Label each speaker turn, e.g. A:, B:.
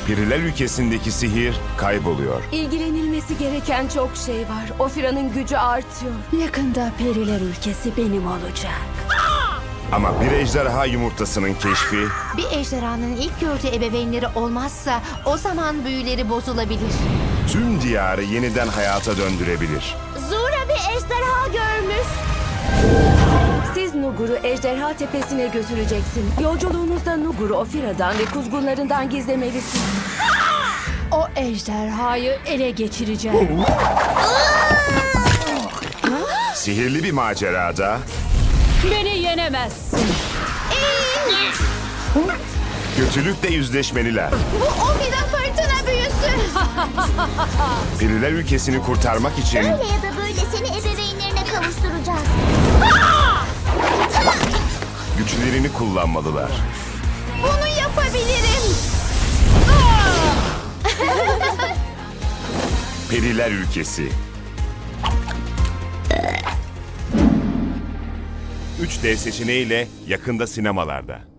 A: Periler ülkesindeki sihir kayboluyor.
B: İlgilenilmesi gereken çok şey var. Ofira'nın gücü artıyor.
C: Yakında periler ülkesi benim olacak.
A: Ama bir ejderha yumurtasının keşfi
D: Bir ejderhanın ilk gördüğü ebeveynleri olmazsa o zaman büyüleri bozulabilir.
A: tüm diyarı yeniden hayata döndürebilir.
D: Zura bir ejderha görmüş.
B: Siz Nugur'u Ejderha Tepesi'ne götüreceksin. Yolculuğunuzda Nugur'u Ofira'dan ve kuzgunlarından gizlemelisin.
C: O ejderhayı ele geçireceğim.
A: Sihirli bir macerada
C: Beni yenemezsin.
A: kötülükle yüzleşmeliler.
D: Bu Ofira fırtına büyüsü.
A: Periler ülkesini kurtarmak için
D: Öyle ya da böyle seni ebeveynlerine kavuşturacağız.
A: güçlerini kullanmalılar.
D: Bunu yapabilirim.
A: Periler ülkesi. 3D seçeneğiyle yakında sinemalarda.